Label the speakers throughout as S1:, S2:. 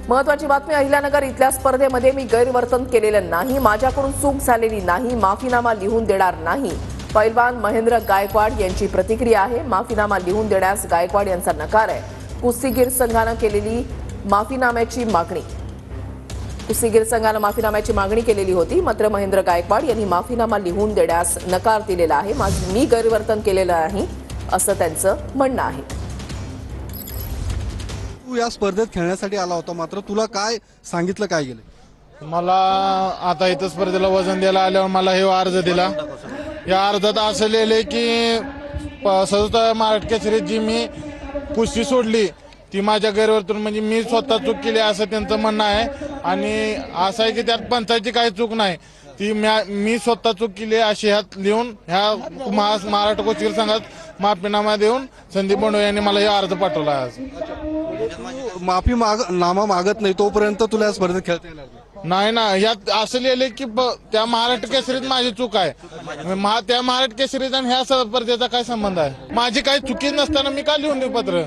S1: महत्वाची बातमी, अहिल्यानगर इथल्या स्पर्धेमध्ये मी गैरवर्तन केलेलं नाही, माझ्याकडून चूक झालेली नाही, माफीनामा लिहून देणार नाही. पैलवान महेंद्र गायकवाड यांची प्रतिक्रिया आहे. माफीनामा लिहून देण्यास गायकवाड यांचा नकार आहे. कुस्तीगीर संघानं केलेली माफीनाम्याची मागणी कुस्तीगीर संघानं माफीनाम्याची मागणी केलेली होती, मात्र महेंद्र गायकवाड यांनी माफीनामा लिहून देण्यास नकार दिलेला आहे. मी गैरवर्तन केलेलं नाही असं त्यांचं म्हणणं आहे.
S2: तू या स्पर्धेत खेळण्यासाठी आला होता, मात्र तुला काय सांगितलं, काय गेलं?
S3: मला आता इथं स्पर्धेला वजन द्यायला आल्यावर मला हे अर्ज दिला. या अर्जात असं लिहिले की 67 महाराष्ट्र केसरीत जी मी कुस्ती सोडली ती माझ्या गैरवर्तन, म्हणजे मी स्वतः चूक केली असं त्यांचं म्हणणं आहे. आणि असं आहे की त्यात पंचायतची काही चूक नाही, ती मी स्वतः चूक केली अशी ह्यात लिहून ह्या महाराष्ट्र कुस्तीगीर संघात माफीनामा देऊन संदीप बोंडवे यांनी मला हे अर्ज पाठवला आहे.
S2: नामा मागत नाही तोपर्यंत तुला या स्पर्धेत खेळता येणार
S3: नाही ना. यात असं लिहिले की त्या महाराष्ट्र केसरीत माझी चूक आहे. त्या महाराष्ट्र केसरीत आणि ह्या स्पर्धेचा काय संबंध आहे? माझी काही चुकी नसताना मी का लिहून देऊ पत्र?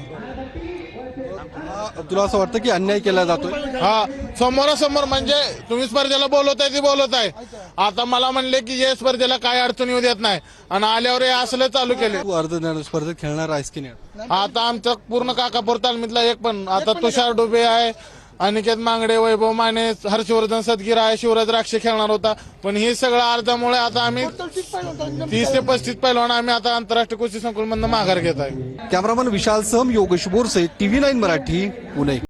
S2: तुला असं वाटतं की अन्याय केला जातोय?
S3: हा, समोरासमोर म्हणजे तुम्ही स्पर्धेला बोलवताय ती बोलवताय. आता मला म्हणले की या स्पर्धेला काय अडचण येऊ देत नाही आणि आल्यावर हे असलं चालू केले.
S2: तू अर्ध स्पर्धेत खेळणार आहेस की नाही?
S3: आता आमचा पूर्ण काकापूर तालमीतला एक पण आता तुषार डुबे आहे, अनिकेत मांगडे, वैभव माने, हर्षवर्धन सदगीर आहे, शिवराज राक्षे खेळणार होता. पण हे सगळं अर्जामुळे आता आम्ही 30 ते 35 पैलवान आम्ही आता आंतरराष्ट्रीय कुस्ती संकुलमधून माघार घेत आहे.
S2: Cameraman Vishal Sam, Yogesh Borse, TV9 Marathi, Pune.